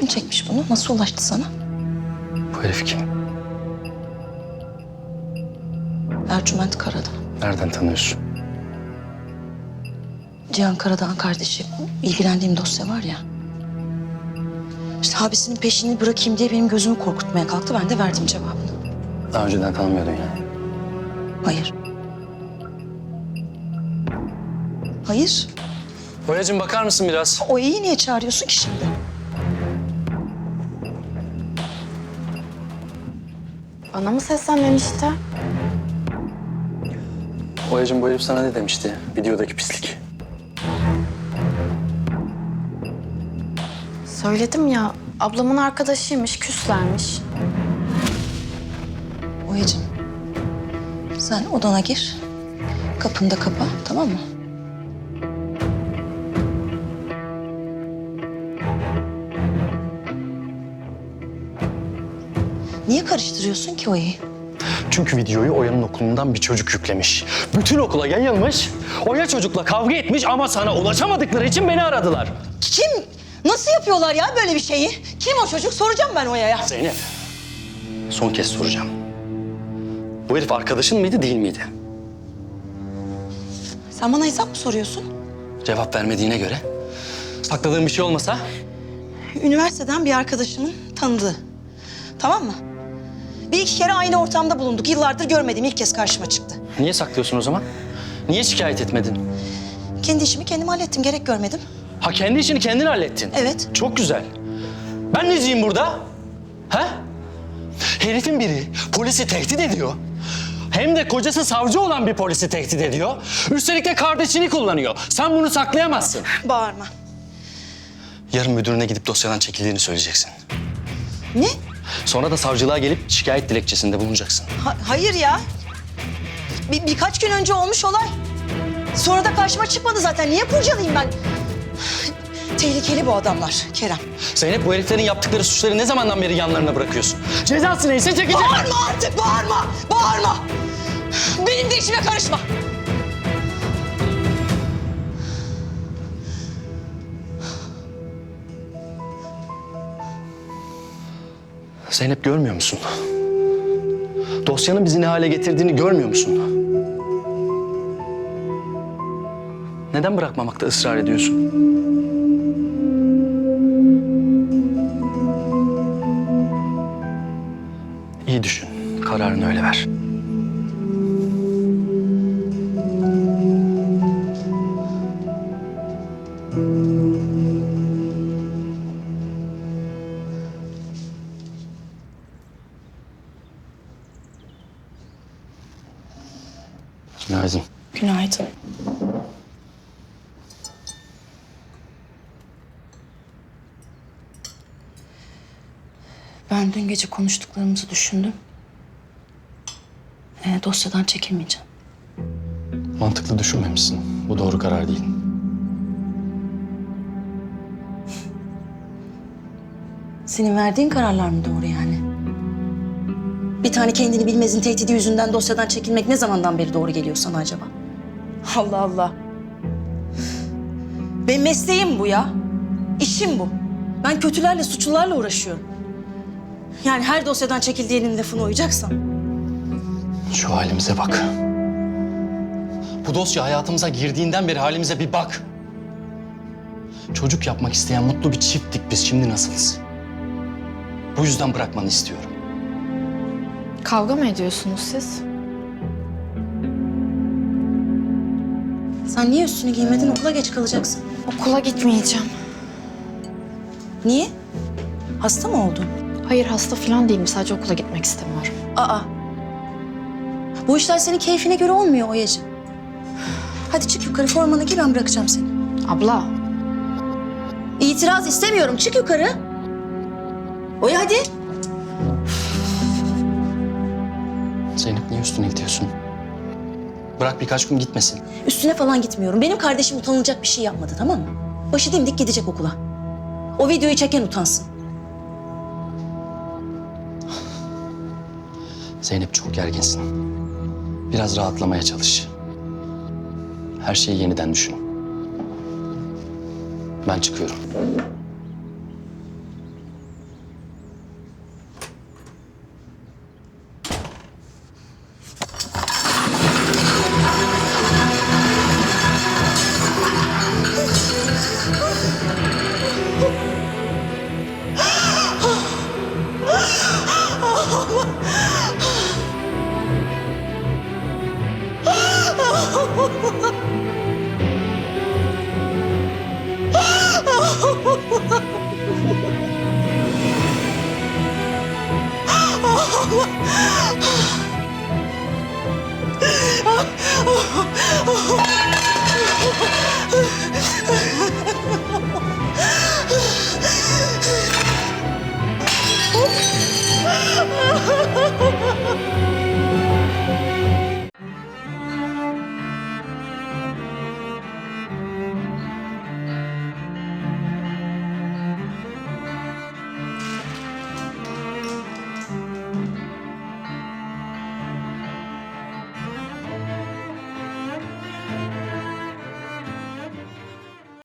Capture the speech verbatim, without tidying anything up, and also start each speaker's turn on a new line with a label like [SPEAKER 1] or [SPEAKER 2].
[SPEAKER 1] Kim çekmiş bunu? Nasıl ulaştı sana?
[SPEAKER 2] Bu herif kim?
[SPEAKER 1] Ercüment Karadağ.
[SPEAKER 2] Nereden tanıyorsun?
[SPEAKER 1] Cihan Karadağ'ın kardeşi. İlgilendiğim dosya var ya. İşte abisinin peşini bırakayım diye benim gözümü korkutmaya kalktı. Ben de verdim cevabını.
[SPEAKER 2] Daha önceden tanımıyordun yani.
[SPEAKER 1] Hayır. Hayır.
[SPEAKER 2] Boyacığım bakar mısın biraz?
[SPEAKER 1] O iyi niye çağırıyorsun ki şimdi?
[SPEAKER 3] Bana mı seslendin işte?
[SPEAKER 2] Boyacığım bu herif sana ne demişti? Videodaki pislik.
[SPEAKER 3] Söyledim ya, ablamın arkadaşıymış, küslermiş.
[SPEAKER 1] Oya'cığım, sen odana gir. Kapını da kapa, tamam mı? Niye karıştırıyorsun ki Oya'yı?
[SPEAKER 2] Çünkü videoyu Oya'nın okulundan bir çocuk yüklemiş. Bütün okula yayılmış. Oya çocukla kavga etmiş ama sana ulaşamadıkları için beni aradılar.
[SPEAKER 1] Kim? Nasıl yapıyorlar ya böyle bir şeyi? Kim o çocuk? Soracağım ben Oya'ya.
[SPEAKER 2] Zeynep, son kez soracağım. Bu herif arkadaşın mıydı, değil miydi?
[SPEAKER 1] Sen bana hesap mı soruyorsun?
[SPEAKER 2] Cevap vermediğine göre. Sakladığın bir şey olmasa?
[SPEAKER 1] Üniversiteden bir arkadaşımın tanıdığı. Tamam mı? Bir iki kere aynı ortamda bulunduk. Yıllardır görmediğim ilk kez karşıma çıktı.
[SPEAKER 2] Niye saklıyorsun o zaman? Niye şikayet etmedin?
[SPEAKER 1] Kendi işimi kendim hallettim. Gerek görmedim.
[SPEAKER 2] Ha kendi işini kendin hallettin.
[SPEAKER 1] Evet.
[SPEAKER 2] Çok güzel. Ben neciyim burada? Ha? Herifin biri polisi tehdit ediyor. Hem de kocası savcı olan bir polisi tehdit ediyor. Üstelik de kardeşini kullanıyor. Sen bunu saklayamazsın.
[SPEAKER 1] Bağırma.
[SPEAKER 2] Yarın müdürüne gidip dosyadan çekildiğini söyleyeceksin.
[SPEAKER 1] Ne?
[SPEAKER 2] Sonra da savcılığa gelip şikayet dilekçesinde bulunacaksın.
[SPEAKER 1] Ha- hayır ya. Bir, birkaç gün önce olmuş olay. Sonra da karşıma çıkmadı zaten. Niye kurcalayayım ben? Tehlikeli bu adamlar Kerem.
[SPEAKER 2] Zeynep, bu heriflerin yaptıkları suçları ne zamandan beri yanlarına bırakıyorsun? Cezası neyse çekecek.
[SPEAKER 1] Bağırma artık, bağırma! Bağırma! Benim de işime karışma.
[SPEAKER 2] Zeynep, görmüyor musun? Dosyanın bizi ne hale getirdiğini görmüyor musun? Neden bırakmamakta ısrar ediyorsun? İyi düşün. Kararını öyle ver. Günaydın.
[SPEAKER 1] Günaydın. Ben dün gece konuştuklarımızı düşündüm. Ee, dosyadan çekilmeyeceğim.
[SPEAKER 2] Mantıklı düşünmemişsin. Bu doğru karar değil.
[SPEAKER 1] Senin verdiğin kararlar mı doğru yani? Bir tane kendini bilmezin tehdidi yüzünden dosyadan çekilmek ne zamandan beri doğru geliyor sana acaba? Allah Allah. Benim mesleğim bu ya. İşim bu. Ben kötülerle, suçlularla uğraşıyorum. Yani her dosyadan çekildiğinin lafına uyacaksam.
[SPEAKER 2] Şu halimize bak. Bu dosya hayatımıza girdiğinden beri halimize bir bak. Çocuk yapmak isteyen mutlu bir çifttik biz. Şimdi nasılız? Bu yüzden bırakmanı istiyorum.
[SPEAKER 3] Kavga mı ediyorsunuz siz?
[SPEAKER 1] Sen niye üstünü giymedin? Okula geç kalacaksın.
[SPEAKER 3] Okula gitmeyeceğim.
[SPEAKER 1] Niye? Hasta mı oldun?
[SPEAKER 3] Hayır, hasta falan değilim. Sadece okula gitmek istemiyorum.
[SPEAKER 1] Aa. Bu işler senin keyfine göre olmuyor Oya'cığım. Hadi çık yukarı, formanı giy, ben bırakacağım seni.
[SPEAKER 3] Abla.
[SPEAKER 1] İtiraz istemiyorum. Çık yukarı. Oya hadi.
[SPEAKER 2] Zeynep, niye üstüne gidiyorsun? Bırak birkaç gün gitmesin.
[SPEAKER 1] Üstüne falan gitmiyorum. Benim kardeşim utanılacak bir şey yapmadı, tamam mı? Başı dimdik gidecek okula. O videoyu çeken utansın.
[SPEAKER 2] Zeynep, çok gerginsin. Biraz rahatlamaya çalış. Her şeyi yeniden düşün. Ben çıkıyorum.